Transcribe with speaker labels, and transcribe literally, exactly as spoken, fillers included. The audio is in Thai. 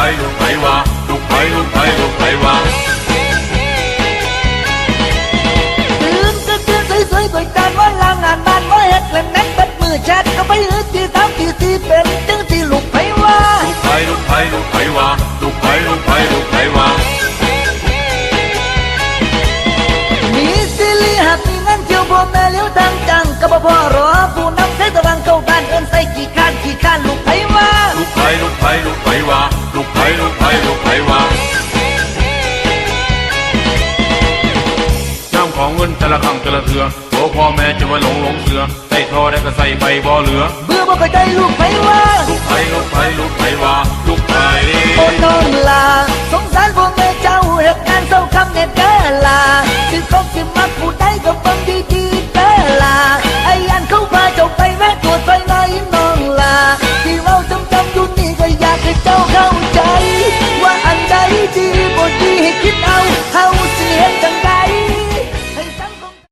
Speaker 1: ลูกไผวะลูกไผลูกไผลูกไผวะ
Speaker 2: ตื่นก็ตื่นสวยๆก่อยการว่าลางงานบ้านว่าเฮ็ดเล่นนั้นเป็นมือแชทก็ไปหื้อที่สามที่สี่เป็นจังที่ลูกไผวะ
Speaker 1: ลูกไผลูกไผลูกไผวะลูกไผลูกไผลูกไผวะ
Speaker 2: มีสิริหักมีเงินเที่ยวพ่อแม่เลี้ยวทางจังก็บ่พอรอผู้นำใช้ตะวันเข้าบ้านเอิ้นใส่กี่ข้านกี่ข้านลูกไผวะ
Speaker 1: ลูกไผลูกไผลูกไผวะลูกไผลูกไผลูกไผวะย่ำของเงินแต่ละครั้งแต่ละเถื่อตัวพ่อแม่จะว่าหลงหลงเสือใส่ทอได้ก็ใส่ไปบ่เหลือ
Speaker 2: เบื่อบ่เข้าใจลูกไผวะ
Speaker 1: ลูกไผลูกไผลูกไผวะลูกไผ
Speaker 2: โอ้น้องลาสงสารพ่อแม่เจ้าเหตุการณ์เศร้าคำเน็ตเด้อลาสิคบสิมักผู้ใดก็ฟังดีๆเด้อลาไอ้ยันเข้ามาเจ้าไปแวะตรวจไฟในน้องลาที่เราจำจำอยู่นี่ก็อยากให้เจ้าเข้าใจว่าอันใดดีบ่ดีให้คิดเอา